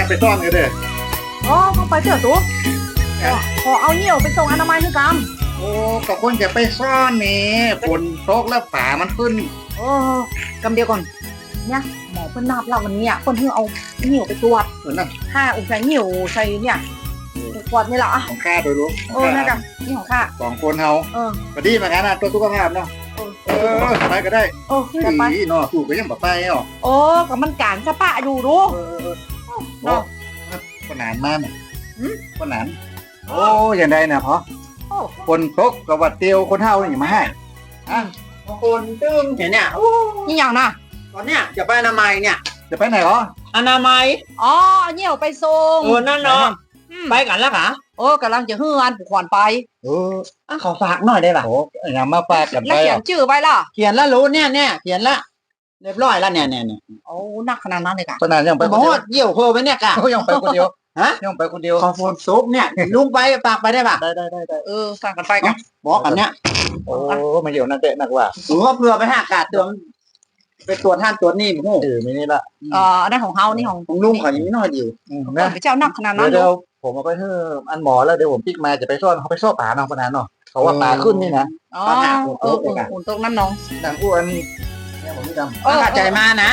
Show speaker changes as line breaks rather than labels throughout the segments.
ไปซ่อนกันเด้อ
อ๋อต้องไปเถอะตัวขอเอาเหี่ยวไปส่งอนามัยให้กำ
โอ้ก็คนจะไปซ่อนนี่ฝนตกแล้วฝามันขึ้น
โอ้กำเดียวก่อนเนี่ยหมอเพิ่นนับเราวันนี้เพิ่นเพิ่งเอาเหี่ยวไปตรวจ
เหมือนนั่น
ค่าอุจจาระเหี่ยวใส่เนี่ยตรวจนี่แหละอ่ะ
ของข้าโดยรู้
นะกำนี่ของข้า
2 คนเฮาพอดีเหมือนกันนะตัวสุขภาพเนาะไปก็ได้
ไป
เนาะถูกก็ยังบ่ไปเนาะ
โอ้ก็มันการสปะอยู่ดู
เนาะคนหนานมากคนหนานโอ้ยังได้นะเพราะคนตกกับวัดเตียวคนเฮานี่มาให้
คนตึ้งเนี่ย
นี่อย่างน่ะ
ตอนเนี้ยจะไปอนามัยเนี่ย
จะไปไหนเหรอ
อนามัย
อ๋อเหี่ยวไปส่ง
นั่นเนาะไปกันแล้วค่ะ
กำลังจะฮื้ออันผูกขวัญไป
ขอฝากหน่อยได้ป่ะ
โอ้ยมาฝากกันไป
แล้วเขียนชื่อไว้ล่ะ
เขียนแล้วรู้เนี่ยเขียนละเรียบร้อยแล้วเนี่ย
โอ้นักขนาดนั้นเลยกะ
ขนาดยังไป
คนเดียวเยี่ยวโคไปเนี่ยกะ
ยังไปคนเดียวยังไปคนเดียว
ขอโฟนซุปเนี่ยลุงไปฝากไปได้ป่ะ
ได้
ฝากกันไปกัน
บอกกันเนี่ย
โอ้มาเดี๋ยวนั่นเตะนักว่า
หรือว่าเพื่อไปหากาดตัวไปตรวจท่านตรวจนี่โอ้
ไม่นี่ละ
ได้ของเฮานี่
ของลุงเขายังไม่น้อยเดียว
ไปเจ้านักขนาดนั้น
เดี๋ยวผมเอาไปเถอะอันหมอแล้วเดี๋ยวผมปิกมาจะไปซ่อนเขาไปซ่อนป่าน้องปนานเนาะเขาว่าป่าขึ้นนี่นะ
ตรงนั้นน้อง
ดังอ้วนเนี่ยผมไม่จำ
เข้าใจมานะ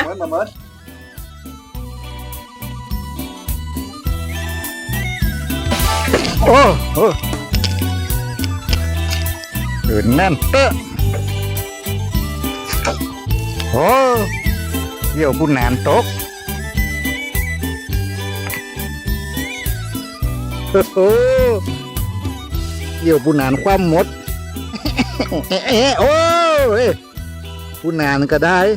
โอ้โหตื่นแน่นเตอะโอ้เดี๋ยวบุญนานตกโอ้เดี๋ยวบุญนานความหมดโอ้บุญนานก็ได้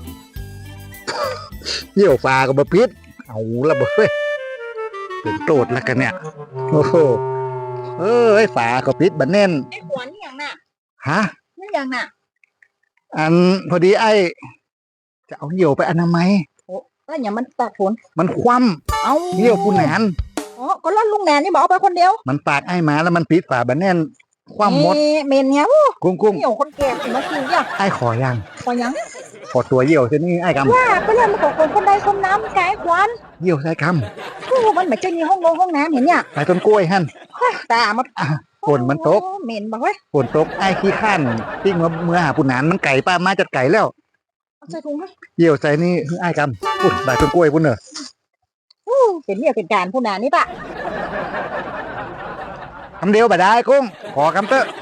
เดี๋ยวฟ้าก็บ่ปิดเอาละบ่เว้ยเป็นโตดแล้วกันเนี่ยโอ้โหฝาก็ปิดบันแน่น
ไอ้ขวานนี่อย่างน่ะ
ฮะ
นี่อย่างน่ะ
อันพอดีไอ้จะเอาเหี่ยวไปอนามัย
แล้วอย่างมันตากฝน
มันคว่ำเอาเหี่ยวผู้แหนน
ก็ล่อนลุงแหนนนี่บอกเอาไปคนเดียว
มันปากไอ้มาแล้วมันปิดฝาบันแน่นคว่ำหมด
เมนเงี้ย
กุ้ง
เหี่ยวคนแก่ถึงมากินเนี่ย
ไอ้ขอยังขอตัวเหี่ยวเช่นนี้ไอ้กำ
ว่าก็เรื่องมันของคนใดคนน้ำไก่ควัน
เหี่ยวใส่ก
ำมันเหมือนจะมีห้องน้ำเห็นเนี่ย
ใส่ต้นกล้วยหั่น
แต่มัน
ฝนมันตก
เหม็นบอกเว้ย
ฝนตกไอ้ขี้ข้านปิ้งเมื่อหาผู้หนานมันไก่ป้ามาจัดไก่แล้ว
ใส่ถุง
เหี่ยวใส่นี่ไอ้กำปุ่นใส่ต้นกล้วยปุ่นเนอะ
เป็นเนี่ยเป็นการผู้หนานนี่ปะ
คำเดียวบ่ได้กุ้งขอคำเตอะ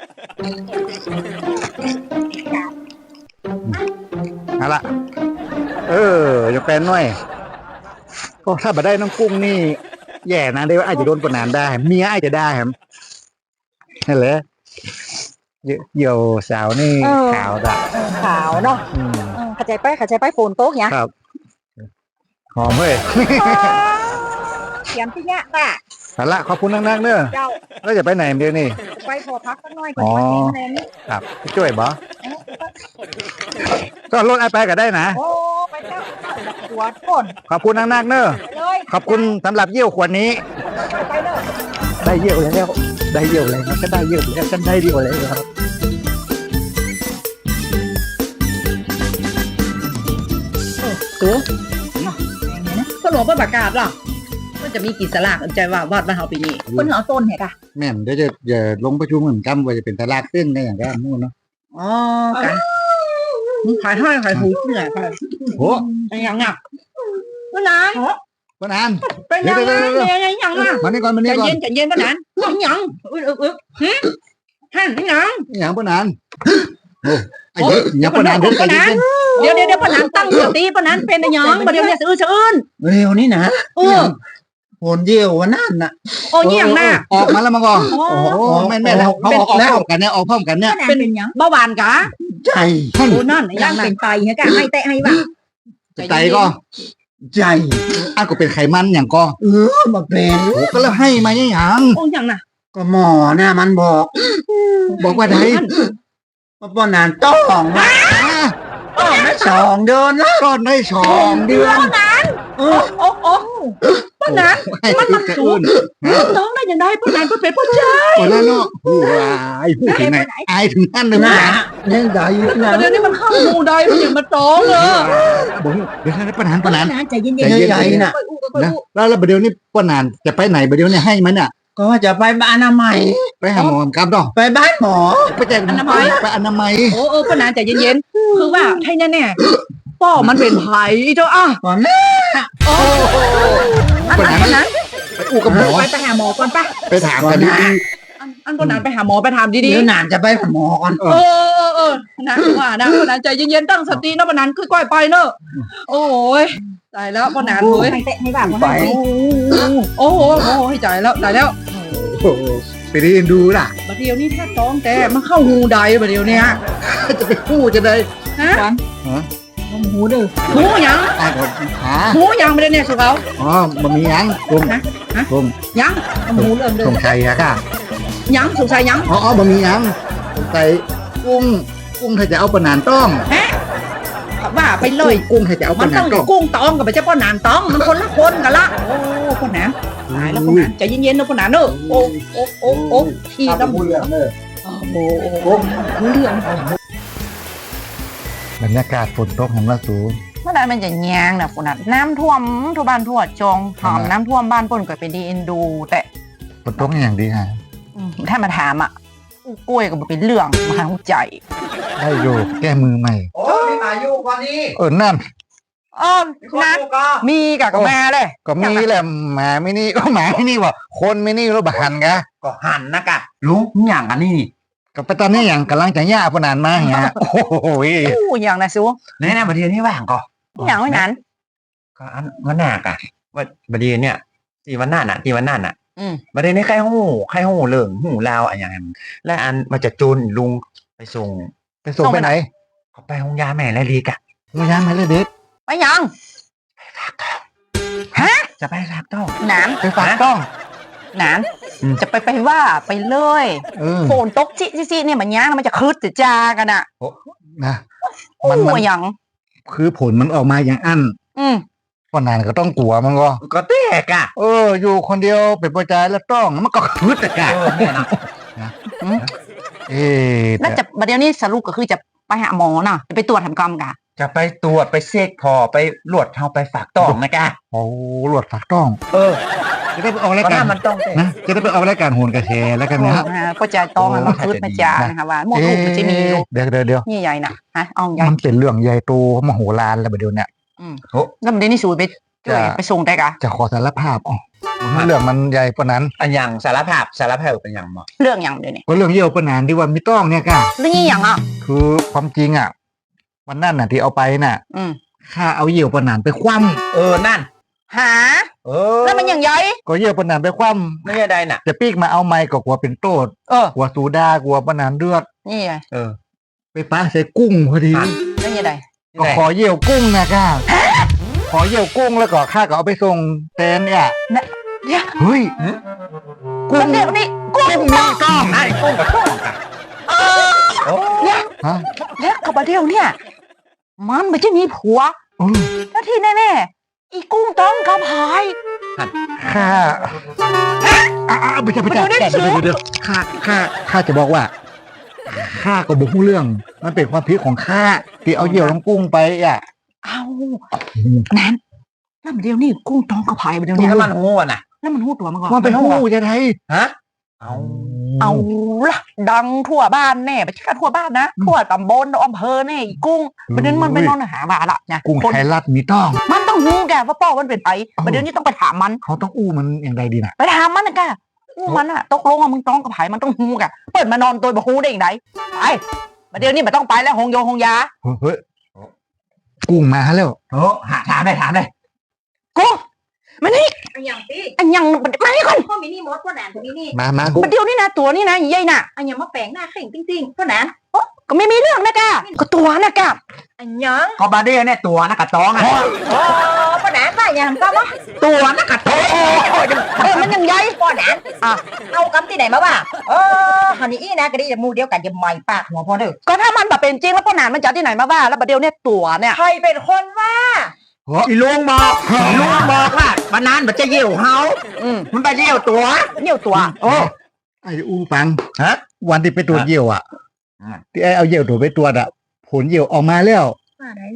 เอาละยกแฟนหน่อยก็ถ้าบ่ได้น้องกุ้งนี่แย่นะเดี๋ยวอาจจะโดนกดนานได้เมียอาจจะได้ครับนั่นแหละเหี่ยวสาวนี่ขาวด่ะ
ขาวเนาะขัดใจไปโฟนโต๊ะเนี่ย
ครับหอมเฮ้ย
เขียนที่เนี้ยป่ะ
เอาละขอบคุณนักๆเนอะแล้วจะไปไหนเดี๋ยวนี้
ไปพอพักสักหน่อยก่อนมาเต็มเลย
ครับช่วยบ่ก็รถไอไปก็ได้นะ
โอ้ไปเจ้าขวดก่อน
ขอบคุณนักๆเนอะขอบคุณสำหรับเยี่ยวขวดนี้
ไปเลย
ได้เยี่ยวแล้วได้เยี่ยวแล้วก็ได้เยี่ยวแล้วฉันได้เยี่ยวแล้วครับ
ตัวก็หลวงพ่อประกาศหรอมันจะมีกี่สลากใจว่าวัดบ้านเฮาปีนี้คนเอาต้นเหรอ
แม่นเดี๋ยวจะลงประชุมเหมือนกันว่าจะเป็นสลากขึ้นได้อย่างไรนู่นเนาะ
อ๋อกันขายให้ขายหูเหนื่อยไป
โอ้
ยยังอ่ะป้านาน
เป็นยัง
ไงยังอ่ะ
มานี่ก่อน
ใจเย็นป้านานยัง
ยังป้านานโอ้ยังป้านาน
เดี๋ยวป้านานตั้งสติป้านานเป็นยังมาเดี๋ยวเนี่ยสะอื้น
เร็วนี่นะโหนเยี่ยววันนั้นน่ะ
โอ้ยยังน่ะ
ออกมาแล้วมาก่อนแม่แล้วเขาออกแล้วกันเนี่ยออกพร้อมกันเนี่ย
เป็นยังเบาหวานกะ
ใจ
โอ้นั่นยังเป็นไตฮะกะให้แตะให้บ้า
ไตก็
ใจ
ก็เป็นไขมันอย่างก็
มาเป็น
ก็แล้วให้มาอย่าง
โอ้ยังน่ะ
ก็หมอน่ะมันบอก
ว่าได
ว่าป้านานต้องได้2 เดือนแล้ว
ก็ได้2 เดือน
ป้านานป้านานมันสูงน้องได้ยังไงป้านานก็เป็นผู้ชาย
ป้านานเนาะผู้ถึงไหนถึงนั่นเลย
นะเนี่ยใด
เดี๋ยวนี้มันเข้าหมู่ใดมันอย่างมาจ้องเลย
บอกเดี๋ยวถ้าปนาน
ป้านานใจเย็น
ใจเย็น
ใหญ่ๆน่ะ
นะแล้วประเดี๋ยวนี้ปนานจะไปไหนประเดี๋ยวนี้ให้มันอ่ะ
ก็ว่าจะไปบ้านอนามัย
ไปหาหมอครับดอก
ไปบ้านหมอ
ไปแจ้งไปอนามัย
โอ้ป้านานใจเย็นๆคือว่าให้แน่ๆป้อมันเป็นไผเจ้าอ่ะ
ก่อนแม่
โอ้อันนั้น
ไปอู้กับหมอ
ไปหาหมอก่อนป่ะ
ไปถามกันดี
อันป้านานไปหาหมอไปถามดี
เดี๋ยวนานจะไปหาหมอก่อน
ๆนะว่านะป้านานใจเย็นๆตั้งสตินะป้านานค่อยๆไปเนอะโอ้ยตายแล้วป้านานเลยให้แบบ
ไป
โอ้โหใจแล้วตายแล้ว
ๆโอ้โหไปเรียนดูล่ะ
บัดเดียวนี้ถ้าต้องแต่มันเข้าหูใดบัดเดียวเนี้ย
จะไปกู้จะได้
ฮะ
หูดื้อ
หูยัง
ตายก่อนหา
หูยังไม่ได้เนี่ยสุเขา
อ๋อมันมียังกงกง
ยังหูเรื่องเดิ
ส
ม
งชัยอะค่ะ
ยังสงสัยยัง
อ๋อมันมียังสงสัยกุ้งถ้าจะเอาปนานต้อง
ฮะว่าไปเลย
กุ้งถ้าจะเอาป
มัน
นา
ต้
น
อง
ต้อง
กุ้งตองกับไปเจ้าป้อนานตองมันคนละคนกันละโอ้ป้อนานตายแล้วป้อนานใจเย็นๆนะป้อนานเนอะโอ้ทีละโอ้โหเรื่อง
บรรยากาศฝนตกเห็นว่าสูง
เมื่อนั้นมันจะแยงนะคุณน่ะน้ำท่วมทั่วบ้านทั่วจงหอมน้ำท่วมบ้านป่นก็เป็นดีเอ็นดู แต่
ฝนตกอย่างดีฮะ
ถ้ามาถามอ่ะอู้กล้วยก็บ่เป็นเรื่องมาหังใจ
ได้อยู่แก้มือใหม่
โอ้มีอายุกว่านี้
นั่น
อ้อนะ
ก็
มีกับแม่เลย
ก็มีแหละหมาไม่นี่ก็หมาไม่นี่ว่ะคนไม่นี่แล้วบหันกะ
ก็หันนะกะลุงอย่างกันนี่
ก็ไปตอนนี้อย่างกำลังจะย่าปนานมาเงี้ยโอ้โห
อู้อย่างนะซู
ในประเทศที่ว่างก็
อย่างไม่นั้น
ก็อันวันหน้ากะว่าประเดี๋ยวเนี่ยที่วันหน้าน่ะ
อืม
ประเดี๋ยวนี้ใครหูเหลิงหูลาวอะไรอย่างนั้นและอันมาจากจูนลุงไปส่ง
ไปส่งไปไหน
เขาไปห้องยาแม่และลีกะ
มาย่ามาเลยเด็ก
ไปยัง
จะไปรักต้อง
หนาน
ไปฝากต้อง
หนาน
อืม
จะไปว่าไปเลย โฝนตกจิเนี่ยมันย่างมันจะคืดจะจากันอ่ะ
นะ
อู้
มัน
อย่าง
คือผลมันออกมาอย่างอัน
อืม
ปนานก็ต้องกลัวมันก็
ก็แตกอะ
อยู่คนเดียวเป็นประจายแล้วต้องมันก็คืดแต่กะ
เนี่ยนะ
เอ๊ะ
แล้วจะประเดี๋ยวนี้สรุปก็คือจะไปหาหมอน่ะจะไปตรวจทำกรรมกะ
จะไปตรวจไปเซ็กพอไปลวดเฮาไปฝากต้องนะกะ
โอ้หลวดฝากต้อง จะได้ไปออกราย
เพราะ
การ
ถ้ามันต้องแตก
นะจะได้ไปออกรายการโหนกระแชแล้วกันนะฮะ
ก็จะต้องมันคืดมาจานะคะว่าหมดลูกมันจะมีลูก
เดี๋ยว
นี่ใหญ่น่ะฮะเอาใหญ่
มันเป็นเรื่องใหญ่โตมโหฬารแล้วเดี๋ยวเนี่ย
แล้วมันได้นี่สูตรไปช่วยไปส่งได้กะ
จะขอสารภาพเรื่องมันใหญ่ปะนั้น
อันอย่างสารภาพเป็นอย่างหมอ
เรื่องอย่างเดียวนี่
ก็เรื่องเยี่ยวปะนานที่ว่าไม่ต้องเนี่ยค่ะ
เรื่องนี้อย่างอ่ะ
คือความจริงอ่ะวันนั้นน่ะที่เอาไปน่ะ
อืม
ข้าเอาเยี่ยวปะนานไปคว่
นั่น
หาแล้วมันอย่างใหญ่
ำก็เยี่ยวปะนานไปคว่
ไม่ใช่ใดน่ะ
ำจะปีกมาเอาไม้ก็กลัวเป็นโตด
เออก
ลัวสูดากลัวปะนานเลือด
นี่ไง
ไปป้าใส่กุ้งพอดี
แล้วยังไง
ก็ขอเยี่ยวกุ้งนะค่ะขอเยี่ยวกุ้งแล้วก็ข้าก็เอาไปส่งแตนเนี่ย
เนี่ย
เฮ้ย
มันเดี๋ยวนี้กุ้ง
กุ้งมีต้อง
ไอ้กุ้งกับต้องกะ
เนี่ย
ฮะ
แล้วกับประเดี๋ยวเนี่ย มันไม่ใช่มีผัว
อืม
แล้วที่แน่ๆอีกุ้งต้องกับหาย
ข้าไม่ใช่เดี๋ยวข้าจะบอกว่าข้าก็บอกเรื่อง มันเป็นความผิดของข้าที่เอาเยี่ยวลงกุ้งไปอ่ะ
เอานั้นแล้วประเดี๋ยวนี้กุ้งต้องกับหายประเดี๋ยวนี้
ถ้ามันหูน่ะ
แล้วมันหูตัวมันก่อน
มันเป็นหูจะไทย
ฮะเอา
เอาละดังทั่วบ้านแน่ไม่ใช่แค่ทั่วบ้านนะทั่วตำบลอำเภอแน่อีกุ้งประเด็นมันไปนอนหาบาละนะ
กุ้ง
คน
ไทยรัฐมีต้อง
มันต้องหูแกว่าป้อมันเป็นไปประเดี๋ยวนี้ต้องไปถามมัน
เขาต้องอู้มันอย่างไรดีน่ะ
ไปถามมันนะแกอู้มันอะตกลงว่ามึงต้องกับไผมันต้องหูแกเปิดมานอนตัวบ่หูได้อย่างไรไปประเดี๋ยวนี้มันต้องไปแล้วหงโยหงยา
เฮ้ยกุ้งมาแล้ว
ถามเลย
กุ้งมานี่
อันอย่างพี่
อันยังมานี่ก่อน
พ่อมินี่มดพ่อแหนคนนี้นี่
มากุ้ง
ประเดี๋ยวนี้นะตัวนี่นะใหญ่น่ะ
อันอย่างมาแปลงหน้าเข่งติ้งๆพ่อแหน
ก็ไม่มีเรื่องนะแกก็ตัวนะแก
อันยัง
ก็บาเดียเนี่ยตัวนักกระตองอ่ะ
โอ้พ่อแหนป้าอย่างก็วะ
ตัวนักกระตอง
มันยังใหญ่
พ่อแหนเอากำที่ไหนมาบ้าฮันนี่อีนะก็ได้จะมูเดียวกันจะไม่ปากหัวพ่อเด้อ
ก็ถ้ามันแบบเป็นจริงแล้วพ่อหนานมันจะที่ไหนมาว่าแล้วประเดี๋ยวเนี่ยตัวเนี่ย
ใครเป็นคนว่า
อีลุงบอกว่าวันนั้นมันจะเยี่ยวเฮา
อืม
มันไปเยี่ยวตัว
เนี่ยวตัว
ไอ้อู้ปัง
ฮะ
วันที่ไปตรวจเยี่ยวอ่ะ
อืม
ที่ไอ้เอาเยี่ยวตัวไปตรวจอ่ะผลเยี่ยวออกมาแล้ว
ว่าไหน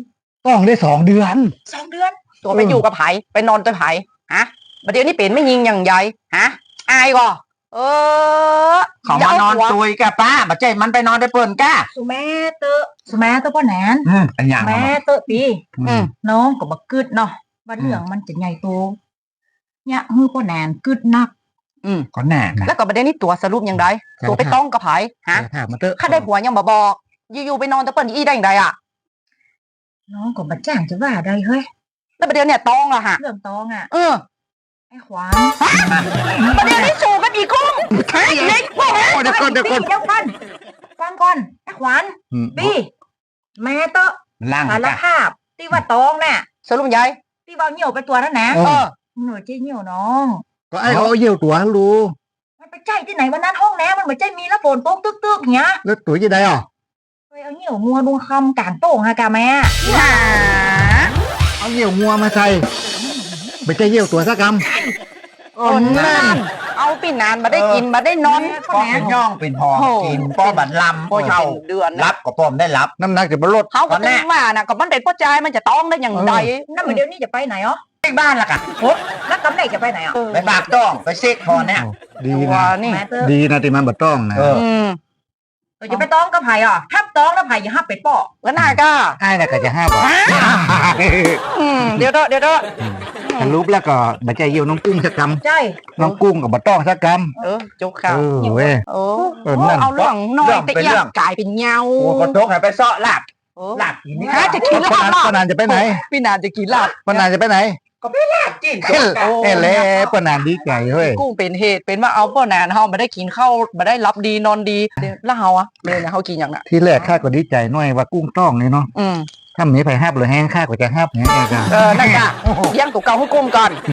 ต้องได้2 เดือน
2 เดือน
ตัวไปอยู่กับไผไปนอนตัวไผฮะประเดี๋ยวนี้เป็นไม่ยิงอย่างใหญ่ฮะอายก่อ
เขามานอนตุยกับป้าบัดใจมันไปนอนได้เปิ่นก้า
สุแม่เตอะพ่อแหนน
อันอย่าง
แม่เตอะปี
อืม
น้องก็บักกึดเนาะว่าเรื่องมันจะใหญ่โตเนี่ยฮือพ่อแหนนกึดนัก
ก็หนานะ
แล้วก็ประเดี๋ยวนี้ตัวสรุปอย่างไรตัวไปต้องกับไผฮะ
ถามมาเถอะ
ข้าได้ผัวยังมาบอกอยู่ๆไปนอนตัวเปิ้นอีได้อย่างไรอ่ะ
น้องก็มาจ้างจะว่าได้เฮ้ย
แล้วประเดี๋ยวเนี่ยต้องละฮะ
เรื่องตองอ่ะ ไอ้ขวาน
ประเดี๋ยวนี้สูงกันอีกกุ้งเล็กพวก
โอ้เดี๋ยวก่อน
เดี๋ยวก่อนฟังก่อนไอ้ขวาน
อืม
ปีแม่เตอะ
ล่าง
สาร
ก้า
ภาพที่ว่าตองน่ะ
สรุปใหญ่
ที่ว่าเหี่ยวไปตัวนั่นนะ
เออ
หน่วยเจ๊เหี่ยวน้อง
ก็ไอ้เขาเอาเยี่ยวตัวรู้
มันไปใจที่ไหนวันนั้นห้องน้ำมันเหมือนใจมีแล้วฝนตกตึกๆเงี้ย
แล้วตัวยี่ได้อ่ะ
ไปเอาเหี่ยวมัวดุงคำกลางโป่งฮะกาแม่
หา
เอาเยี่ยวงัวมาใส่ไม่ใช่เยี่ยวตัวสักก
คนนั่นเอาปีนานมาได้กินมาได้นอน
ป้อเป็นย่องเป็นหอกินป้อบัดลำ
พอจะ
เข้า
เป็นเดือน
รั
นะ
บก็ป้อมได้รับ
ำน้ำหนักจะมาลด
เขาก็ตึงมานะก็มันเป็นพ่อใจมันจะต้องได้อย่างใด
นั่นเหมือนเดี๋ยวนี้จะไปไหนอ๋อ
ไปบ้านละกัน
แล้วกำไหนจะไปไหนอ๋อ
ไปฝากต้องไปเซ็กคอเนี่ย
ดี
ตัว
นะ
นี่
แม่เตอะ
ดีนะที่มันบ่ต้องนะ
เออ
เราจะไปต้องกับไผ่อ่ะห้ามต้องแล้วไผ่อย่าห้ามเป็ดป่อ
ก็น่าก็
ไอ้น่ะก็จะห้ามบ่
เดี๋ยวเดี๋ยว
สรุปแล้วก็บ่ใช่เยี่ยวน้องกุ้งสักก
ใช่
ำน้องกุ้งกับบ่ต้องสักก
จุก
ำ
ข่าว
เว้ย
โอ้
นั่น
เอาเรื่องน้อยแต่ยังกลายเป็นเงา
โอ้ก็ตกให้ไปเซาะหลับหลับกินนี่
ฮะจะกินลาบ
ปนานจะไปไหน
พี่นานจะกินลาบ
ปนานจะไปไหน
กิน
เอ้เล่ปนานดีใจเฮ้ย
กุ้งเป็นเหตุเป็นว่าเอาพ่อนานเฮามาได้กินข้าวมาได้รับดีนอนดีแล้วเฮาอะเลยนะเฮากินอย่างน่ะ
ที่แรกข้าก็ดีใจหน่อยว่ากุ้งต้องนี่เนาะถ้ามีไผห้าบหรือแห้งข้าก็จะห้าบเนี่ยเองจ้ะ
นั่นจ้ะเลี้ยงตัวเก่าให้กุ้งก่อน